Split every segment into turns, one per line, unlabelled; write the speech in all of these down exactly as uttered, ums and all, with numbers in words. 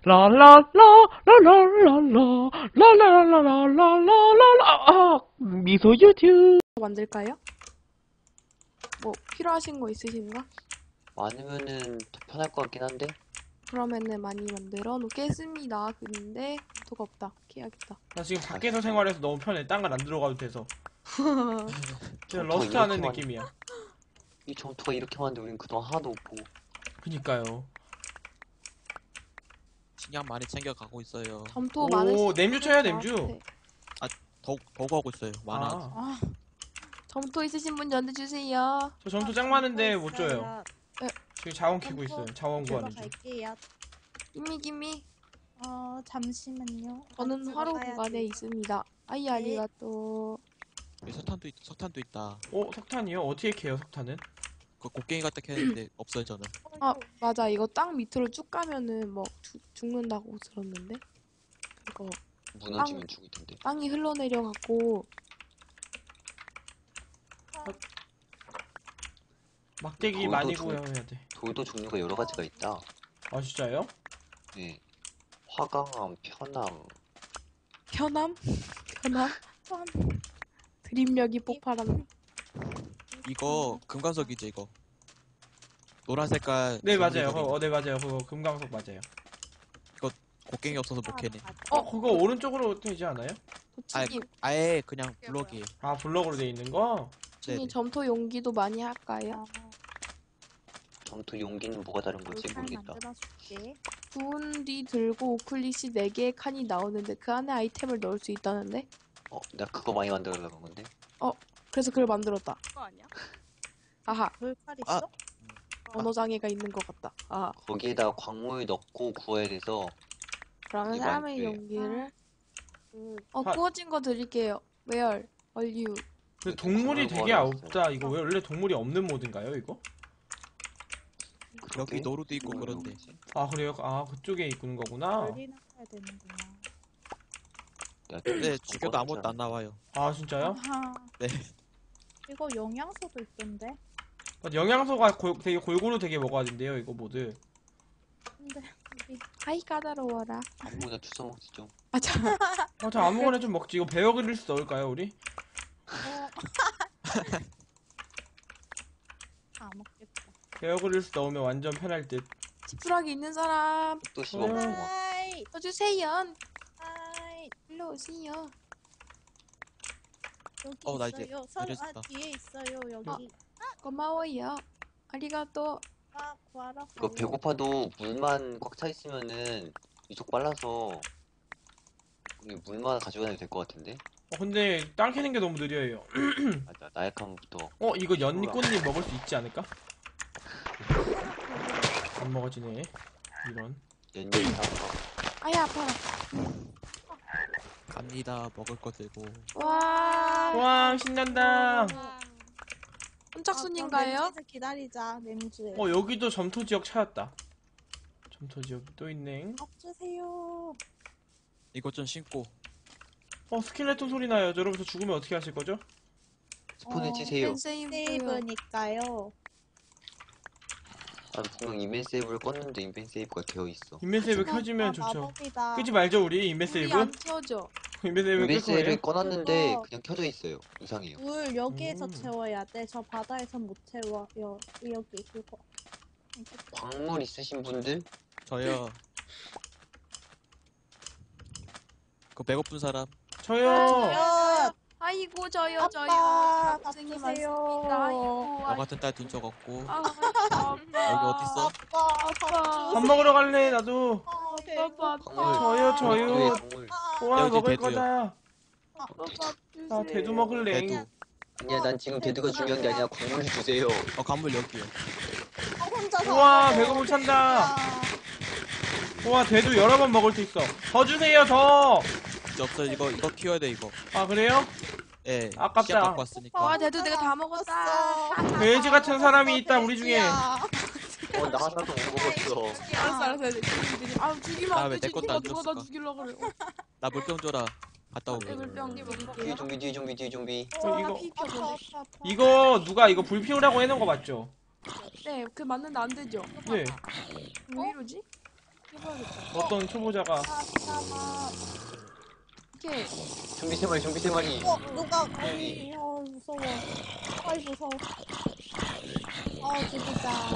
라라라라라라라라라라라라라라 미소 유튜브
만들까요? 뭐 필요하신 거 있으신가?
많으면은 더 편할 것 같긴 한데.
그러면은 많이 만들어 놓겠습니다. 근데 도가 없다. 캐야겠다.
나 지금 밖에서 생활해서 너무 편해. 딴 건 안 들어가도 돼서. 그냥
점토가
러스트 하는
이렇게만-
느낌이야.
이 점토가 이렇게 많은데 우린 그동안 하나도 못 보고.
그니까요.
식량 많이 챙겨가고 있어요.
점토
오,
많으신
냄주 쳐요, 냄주.
저한테.
더욱 더욱 하고 있어요. 많아.
아,
아, 점토 있으신 분 연락 주세요.
저 점토 짱 많은데 못 줘요.
있어요.
지금 자원 키고 있어요. 자원
제가
구하는 중.
갈게요.
김미 김미.
어 잠시만요.
저는
제가
화로
가야지.
구간에 있습니다. 아이
네.
아리가또.
여기 석탄도 있, 석탄도 있다.
어, 석탄이요? 어떻게 캐요, 석탄은?
그 곡괭이 같다 캐는데 없어요 저는.
아 맞아 이거 땅 밑으로 쭉 가면은 뭐 주, 죽는다고 들었는데 그거
무너지면 죽을 텐데.
땅이 흘러내려갖고
막대기
돌도
많이
좀-
구해야 돼.
돌도 종류가 여러 가지가 있다.
아, 진짜요?
네. 화강암, 편암.
편함? 편함? 드립력이 폭발함.
이거 금관석이지 이거. 노란 색깔.
네, 맞아요.
조물이
그거, 어, 네, 맞아요. 그거 금강석 맞아요.
곡괭이 없어서 못 캐네.
어, 그거 오른쪽으로 되지 않아요?
도치님,
아예 그냥 블럭이.
아, 블럭으로 돼 있는 거?
도치님
네네.
점토 용기도 많이 할까요?
점토 용기는 뭐가 다른 거지
돌칼
모르겠다.
만들어줄게.
구운 뒤 들고 우클릿이 네 개의 칸이 나오는데 그 안에 아이템을 넣을 수 있다는데?
어, 나 그거 많이 만들어려고 한 건데.
그래서 그걸 만들었다.
그거 아니야?
아하,
돌칼
아.
있어?
언어장애가 있는 것 같다. 아하,
거기에다가 광물 넣고 구워야 돼서.
그러면
이거
사람의
안 돼요.
용기를
그
어
아.
구워진 거 드릴게요. Where? Are you?
근데
이렇게
동물이
광물
되게
구하러
없다. 이거 왜 원래 동물이 없는 모드인가요, 이거?
여기 노루도 있고
뭐
그런데.
아, 그래요? 아, 그쪽에 있는 거구나.
열리나 해야 되는구나.
야,
네
좀
죽여도 아무것도
꺼냈잖아.
안 나와요.
아, 진짜요?
아하.
네.
이거 영양소도 있던데.
아, 영양소가 골- 되게 골고루 되게 먹어야 된대요, 이거 모드.
근데 우리
아이 까다로워라.
아무거나 주워 먹지 좀.
아 참.
아, 저 아무거나 좀 먹지. 이거 베어 그릴스 넣을까요, 우리?
어. 다 먹겠다.
베어 그릴스 넣으면 완전 편할 듯.
지푸라기 있는 사람
또 씹어 먹고.
하이
써주세요.
하이
일로 오세요.
여기
어, 나 이제
있어요. 선, 아
이랬다.
뒤에 있어요. 여기.
고마워요. 아리가또.
아 구하러
이거
가요.
배고파도 물만 꽉 차 있으면은 이쪽 빨라서 우리 물만 가져가야 될 것 같은데.
어, 근데 땅 캐는 게 너무 느려요.
맞아, 나약함부터.
어, 이거 연꽃잎 먹을 수 있지 않을까? 안 먹어지네. 이런.
연잎
아야 아파라.
갑니다. 먹을 거 들고.
와.
와, 신난다.
혼짝순인가요?
아, 기다리자 냄주에.
어, 여기도 점토 지역 찾았다. 점토 지역이 또 있네.
밥 주세요.
이것 좀 신고.
어, 스켈레톤 소리 나요. 여러분, 저 죽으면 어떻게 하실 거죠?
스폰을
어,
치세요.
세이브.
세이브니까요.
아, 분명 인벤 세이브를 껐는데 인벤 세이브가 되어 있어.
인벤 세이브
하지만
켜지면
아,
좋죠.
마법이다.
끄지 말죠, 우리 인벤
우리
세이브?
안 켜져.
인벤 세이브
인벤
끌 거예요.
세이브를 꺼놨는데
그거-
그냥 켜져 있어요. 이상해요.
물 여기에서
음.
채워야 돼. 저 바다에선 못 채워. 여, 여기 그거.
광물 있으신 분들?
저요. 그 배고픈 사람.
저요.
야,
아이고 저요
아빠,
저요.
밥
고생이
주세요.
많습니다. 아이고.
너 같은 딸 둔 적 없고.
아, 아빠.
여기 어딨어?
아빠,
아빠.
밥
밥 먹으러 갈래, 나도.
어,
아빠.
광물.
저요, 저요.
광물, 광물.
와,
여기
먹을
대두요.
거다.
아빠 주세요.
나 대두 먹을래.
대두.
아니야, 난 지금 대두가 중요한 게 아니라 광물을 주세요.
어 간물 여기요.
어, 혼자 다
우와,
먹어.
배고픔 찬다.
아,
우와, 대두 여러 번 먹을 수 있어. 더 주세요, 더.
이제 없어 이거 이거 키워야 돼 이거.
아, 그래요?
예.
아깝다.
씨앗 갖고 왔으니까.
와 대두 내가 다 먹었다.
돼지 같은 사람이 있다, 우리 중에.
돼지야.
어, 나 하나도 못 먹었어.
알았어 알았어. 죽이면 되지. 아 죽이면
나
안
왜
되지.
내 것도
누가
안
누가 나
줬을까?
죽이려 그래. 어,
나 물병 줘라. 갔다 오게.
물병
뒤에
드릴게요.
좀비, 뒤에 좀비, 뒤에 좀비.
어, 이거-
피 펴.
이거 누가 이거 불 피우라고 해놓은 거 맞죠?
네, 그 맞는데 안 되죠.
네.
왜 이러지?
해봐야겠다.
어떤 초보자가
아, 잠깐만.
이렇게
좀비 세 마리, 좀비 세 마리.
어, 누가 거기, 어, 무서워. 아이, 무서워. 어, 죽이자.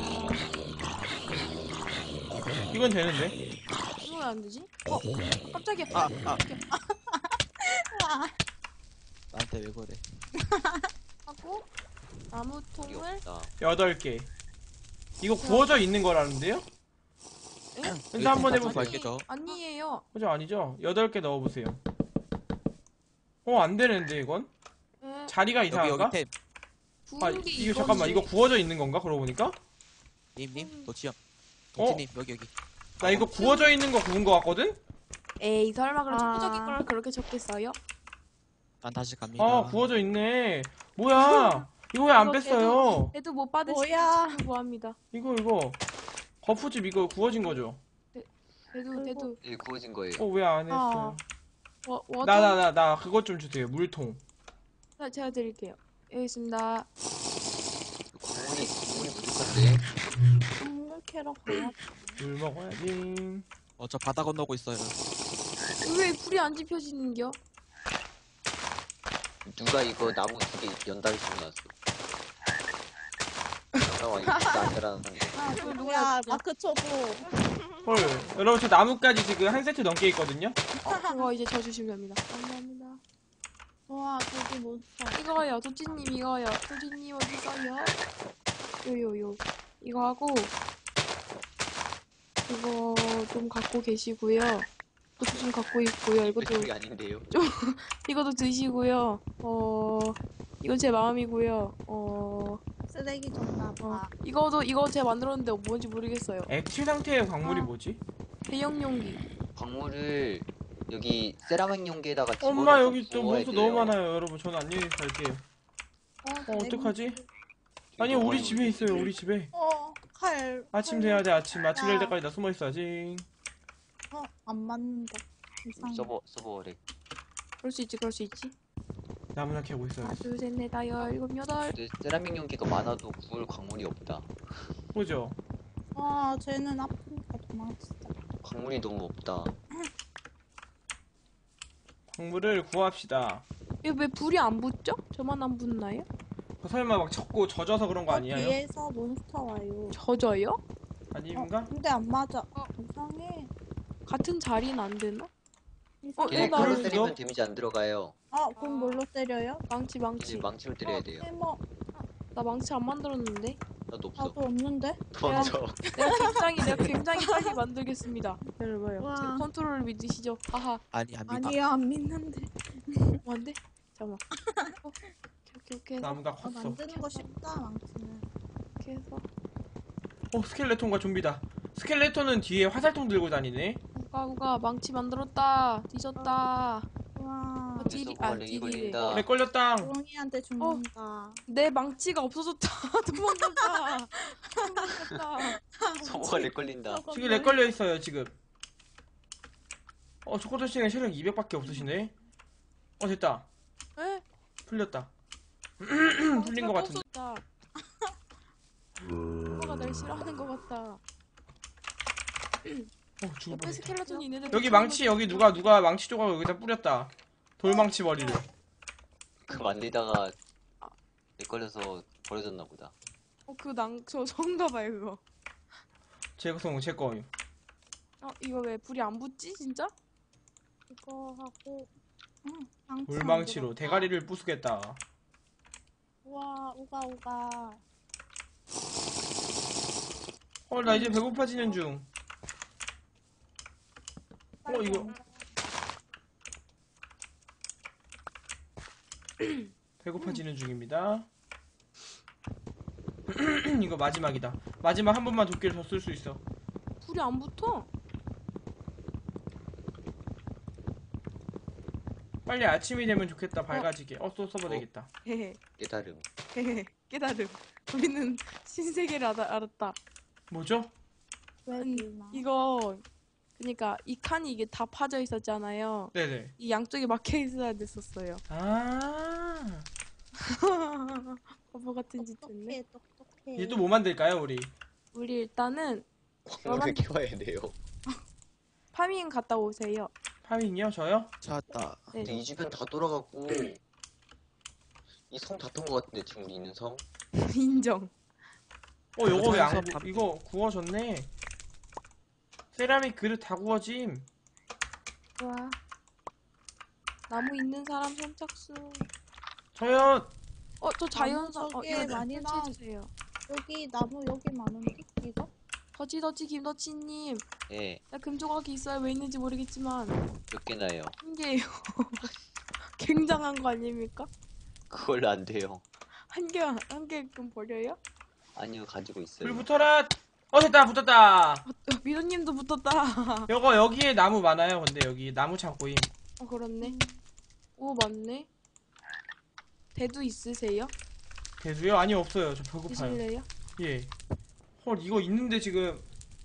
이건 되는데?
이거 왜 안 되지? 어, 깜짝이야.
아, 아.
와,
나한테 왜 그래?
하고 나무
여기
통을
없다.
여덟 개. 이거 구워져 있는 거라는데요? 근데 한번 해보세요.
맛있겠죠?
아니에요.
그죠? 아니죠? 여덟 개 넣어보세요. 어, 안 되는데, 이건?
네.
자리가
여기
이상한가?
여기 템.
아,
구운 게
이거 잠깐만, 이거 구워져 있는 건가? 그러고 보니까?
님님 도치형.
어?
도치님 여기 여기.
나 이거 구워져 있는 거 구운 거 같거든?
에이, 설마 그럼
아.
초보적인 걸 그렇게 적겠어요?
난 다시 갑니다.
아, 구워져 있네. 뭐야? 이거 왜 안
이거
뺐어요?
애도 못 받으시면
뭐야.
친구 구합니다.
이거, 이거. 거푸집 이거 구워진 거죠?
애도, 애도,
이 구워진 거예요.
어, 왜 안
아.
했어요?
워, 워,
나, 나, 나, 나, 그것 좀 주세요. 물통.
자, 제가 드릴게요. 여기 있습니다.
광물이, 광물이 부족한데.
동물 캐러 가야
물 먹어야지.
어, 저 바다 건너고 있어요.
왜 불이 안 지펴지는겨?
누가 이거 나무 두 개 연달아 심어놨어. 잠깐만, 이거 진짜 안 되라는 상대.
아, 그걸 누가
야, 마크 초보.
헐. 여러분, 저 나뭇가지 지금 한 세트 넘게 있거든요?
어, 그거 이제 저 주시면 됩니다. 감사합니다.
와, 저기 몬스터.
이거요, 도찌님 이거요. 도찌님 어디 있어요? 요요요. 이거 하고 이거 좀 갖고 계시고요. 이것도 좀 갖고 있고요. 이것도
그쪽이 아닌데요.
이것도 드시고요. 어 이건 제 마음이고요. 어,
쓰레기 줬나
어
봐.
이거도 이거 제가 만들었는데 뭔지 모르겠어요.
액체 상태의 광물이
아.
뭐지?
대형 용기.
광물을 여기 세라믹 용기에다가
엄마,
집어넣고
여기 또
구워야
몬스터
돼요.
너무 많아요. 여러분, 저는 안녕히 갈게요. 어, 어떡하지? 아니,
이거
우리
많이
집에 있어요, 우리 집에.
어, 칼.
아침
칼.
돼야 돼, 아침. 아침 될
야.
때까지 나 숨어 있어야지.
어, 안 맞는다. 이상해.
서버 서버래.
그럴 수 있지, 그럴 수 있지.
나무나 캐고
하나,
있어야지.
둘, 셋, 넷, 다섯, 일곱, 여덟.
근데 세라믹 용기가 많아도 구울 광물이 없다.
그죠?
아, 쟤는 아프니까 도망치자.
광물이 너무 없다.
광물을 구합시다.
이거 왜 불이 안 붙죠? 저만 안 붙나요?
그 설마 막 쳤고 젖어서 그런 거
어,
아니에요?
뒤에서 몬스터 와요.
젖어요?
어,
아닌가?
근데 안 맞아.
어.
이상해.
같은 자리는 안 되나?
이상해.
어,
걔네
나-
칼로
그럴
때리면
수도?
데미지 안 들어가요.
아, 그럼 뭘로 때려요?
망치,
이제
망치.
망치로 때려야
어,
돼요.
해머.
나 망치 안 만들었는데?
나도 없어.
나도 없는데?
도망쳐.
내가 굉장히, 내가 굉장히 빨리 만들겠습니다. 기다려봐요.
와.
제 컨트롤을 믿으시죠? 하하.
아니 안 믿어.
아니야, 안 믿는데.
뭐 안 돼? 잠깐만. 어, 오케이, 오케이, 오케이 해서.
나무가
아,
컸어.
만드는 거 쉽다, 망치는.
이렇게 해서.
어, 스켈레톤과 좀비다. 스켈레톤은 뒤에 화살통 들고 다니네.
우가, 우가, 망치 만들었다. 뒤졌다.
와,
어, 딜이,
서버가
아,
렉이
딜이.
걸린다.
렉 걸렸다.
조롱이한테 죽는다.
내 망치가 없어졌다. 도망갔다. 도망갔다.
서버가 렉 걸린다.
지금 렉 걸려 있어요, 지금. 어, 초코토 씨는 체력 이백밖에 없으시네. 어, 됐다.
에?
풀렸다.
망치가
풀린 것 같은데.
없어졌다. 엄마가 날 싫어하는 것 같다.
어, 죽을
옆에
뻔했다.
스켈레톤이 있는데
여기 망치, 여기 누가, 누가 망치 조각 여기다 뿌렸다. 돌망치 머리를.
그 만들다가 렉 걸려서 버려졌나 보다.
어, 그 낭, 저, 저인가 봐요, 그거.
제 거, 제 거임.
어, 이거 왜 불이 안 붙지, 진짜?
이거 하고, 응, 망치
돌망치로
만들었다.
대가리를 부수겠다.
우와, 우가, 우가.
어, 나 이제 배고파지는 중. 어, 이거. 배고파지는 중입니다. 이거 마지막이다. 마지막 한 번만 도끼를 더 쓸 수 있어.
불이 안 붙어.
빨리 아침이 되면 좋겠다. 밝아지게. 어, 또 써봐
어?
되겠다.
헤헤,
깨달음.
헤헤, 깨달음. 우리는 신세계를 알아, 알았다.
뭐죠?
왜
음,
불나?
이거, 그니까, 이 칸이 이게 다 파져 있었잖아요.
네네.
이 양쪽에 막혀 있어야 됐었어요.
아.
바보 같은 짓 했네.
똑똑해, 똑똑해.
이제 또 뭐 만들까요, 우리?
우리 일단은,
광물을 키워야 돼요.
파밍 갔다 오세요.
파밍이요? 저요?
찾았다.
네.
근데 이 주변 다 돌아갔고 이 성 다 턴 거 같은데 지금 우리 있는 성?
인정.
어 요거 왜 안
자연산
구...
밥-
이거 구워졌네. 세라믹 그릇 다 구워짐.
좋아. 나무 있는 사람 선착순.
저요.
어, 저 자연산.
나무
어,
저기에
이거
많이 나.
설치해주세요.
여기 나무 여기 많은데 이거?
더치더치 김더치님.
예,
나 금조각이 있어요. 왜 있는지 모르겠지만
몇 개나요?
한 개예요. 굉장한 거 아닙니까?
그걸로 안 돼요.
한 개, 한 개 그럼 버려요?
아니요, 가지고 있어요.
불 붙어라. 어 됐다 붙었다.
어, 미도님도 붙었다.
요거 여기에 나무 많아요. 근데 여기 나무 창고임.
어, 그렇네. 오, 맞네. 대두 있으세요?
대수요? 아니 없어요. 저 배고파요.
드실래요?
예. 헐 이거 있는데 지금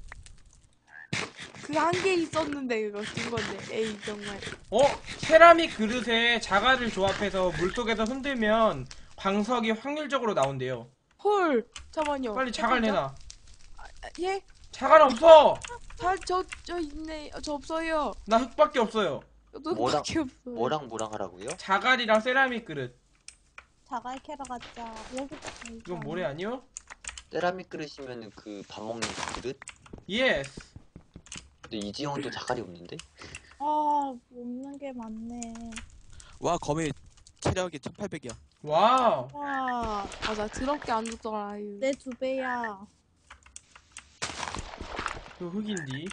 그 한 개 있었는데 그거 준 건데. 에이 정말.
어? 세라믹 그릇에 자갈을 조합해서 물속에서 흔들면 광석이 확률적으로 나온대요.
헐. 잠깐만요.
빨리 자갈
해보자.
내놔.
아, 예?
자갈 없어.
잘, 저, 저 있네. 어, 저 없어요.
나 흙밖에 없어요.
저도
뭐랑-
밖에 없어요.
뭐랑 뭐랑 하라고요?
자갈이랑 세라믹 그릇.
자갈 캐러 가자. 여기
이건 모래 아니요?
세라믹 그릇이면은 그 밥 먹는 그 그릇?
예스.
근데 이지영은 또 자갈이 없는데?
아 없는 게 많네.
와 거미 체력이 천팔백이야.
와우.
와,
맞아. 더럽게 안 죽더라. 아유.
내 두 배야.
그 흙인디.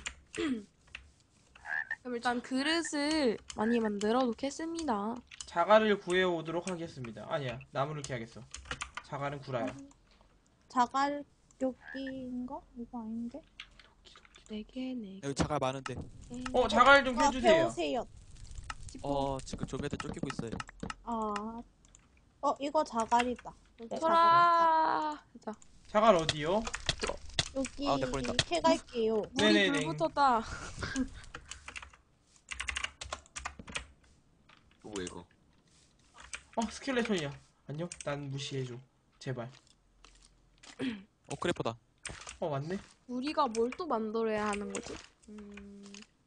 그럼 일단 그릇을 많이 만들어 놓겠습니다.
자갈을 구해 오도록 하겠습니다. 아니야. 나무를 캐야겠어. 자갈은 구라야.
자갈 여기인가? 이거 아닌데?
네 개, 네 개.
여기 자갈 많은데.
어, 자갈 좀
아,
캐주세요.
배우세요.
어 지금 좀비한테 쫓기고 있어요.
아, 어 이거 자갈이다. 여기 자갈.
소라. 자,
자갈 어디요?
여기
아, 내 버린다.
캐갈게요.
물이
네네네.
불 붙었다.
뭐야 이거?
어, 스켈레톤이야. 안녕? 난 무시해줘. 제발.
어 크래퍼다.
어, 맞네.
우리가 뭘 또 만들어야 하는 거지? 음...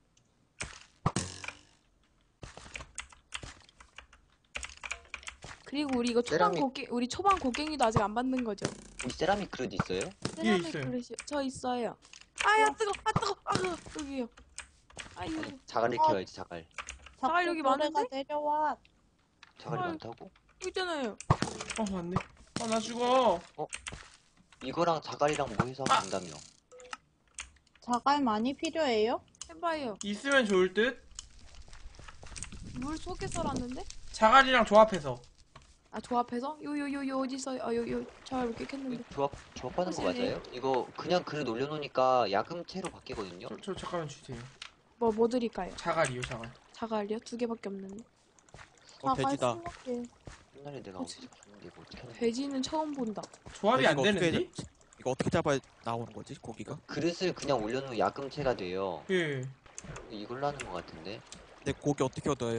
그리고 우리 이거 초반
세라믹.
곡괭 우리 초반 곡괭이도 아직 안 만든 거죠?
우리 세라믹 그릇 있어요?
세라믹
있어요.
그릇이요. 저 있어요. 아야 뜨거, 아 뜨거, 아 여기요. 아유,
아니, 자갈을
어.
캐와야지 자갈.
자갈
자꾸
여기
노래가
많은데?
내려와.
자갈이
헐.
많다고?
여기 있잖아요.
어, 맞네. 어, 나 죽어.
이거랑 자갈이랑 뭐 해서 하면 된다며?
자갈 많이 필요해요?
해봐요.
있으면 좋을 듯?
물 속에 썰었는데?
자갈이랑 조합해서.
아 조합해서? 요요요요 어디 있어요? 아 요요 잘 못 깼는데.
조합 조합하는 거
혹시
맞아요? 이거 그냥 그릇 올려놓으니까 야금채로 바뀌거든요.
저, 저 잠깐만 주세요.
뭐 뭐 드릴까요?
자갈이요, 자갈.
자갈이요? 두 개밖에 없는데.
어
자갈
돼지다.
스무 개.
옛날에 내가
그치.
어디서 봤는데 이거 어떻게 하는 거야?
돼지는 처음 본다.
조합이 안
돼지가 어떻게
되는데?
잡- 이거 어떻게 잡아야 나오는 거지 고기가?
그릇을 그냥 올려놓으면 야금채가 돼요.
예.
이걸로 하는 거 같은데.
근데 고기 어떻게 얻어요?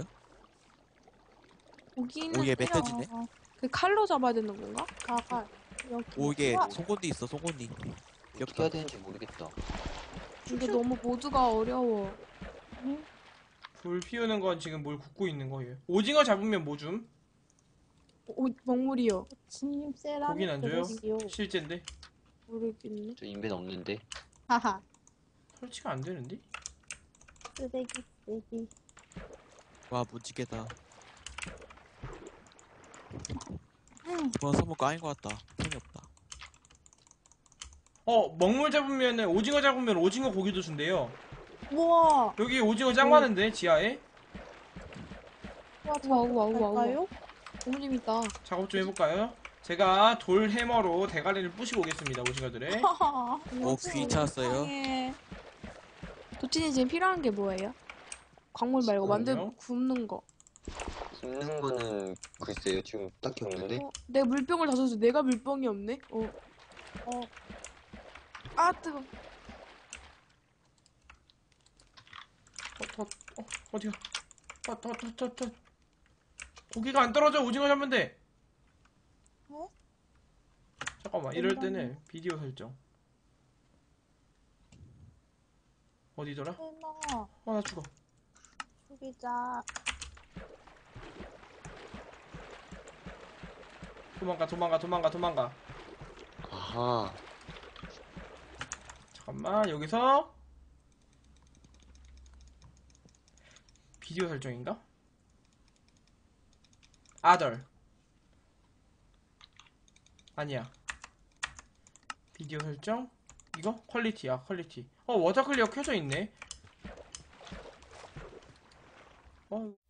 고기는
오예
그냥
멧돼지네.
어,
그 칼로 잡아야 되는 건가?
자갈. 여기.
오이게
우와,
송곳니 있어 송곳니.
어떻게
귀엽다.
해야 되는지 모르겠다.
근데 너무 모두가 어려워.
응?
불 피우는 건 지금 뭘 굽고 있는 거예요. 오징어 잡으면 뭐 줌?
오, 먹물이요.
진님 세라믹
고기는 안 줘요?
그릇이요.
실제인데?
모르겠네.
저 인벤 없는데.
하하.
설치가 안 되는데?
쓰레기 쓰레기.
와 무지개다.
응.
이번 선물 까인 것 같다. 템이 없다.
어, 먹물 잡으면은, 오징어 잡으면 오징어 고기도 준대요.
우와.
여기 오징어 짱
오.
많은데, 지하에?
우와
우와, 우와, 우와, 우와.
갈까요?
너무 재밌다.
작업 좀 해볼까요? 제가 돌 해머로 대가리를 부시고 오겠습니다, 오징어들의.
하하.
오 귀 찾았어요.
세상에.
도찐이 지금 필요한 게 뭐예요? 광물 말고 만들
지금요?
굽는 거.
굽는 거는 글쎄요 지금 딱히 없는데.
어, 내 물병을 다 줬어. 내가 물병이 없네. 어.
어.
아 뜨거.
어, 더, 어, 어디야? 더, 더, 더, 더, 더. 고기가 안 떨어져, 오징어 잡으면 돼.
어?
잠깐만, 이럴 때는 비디오 설정. 어디더라?
해나
어, 나 죽어.
죽이자.
도망가, 도망가, 도망가, 도망가.
아하.
잠깐만, 여기서 비디오 설정인가? 아덜. 아니야. 비디오 설정? 이거? 퀄리티야, 퀄리티. 어, 워터 클리어 켜져 있네. 어.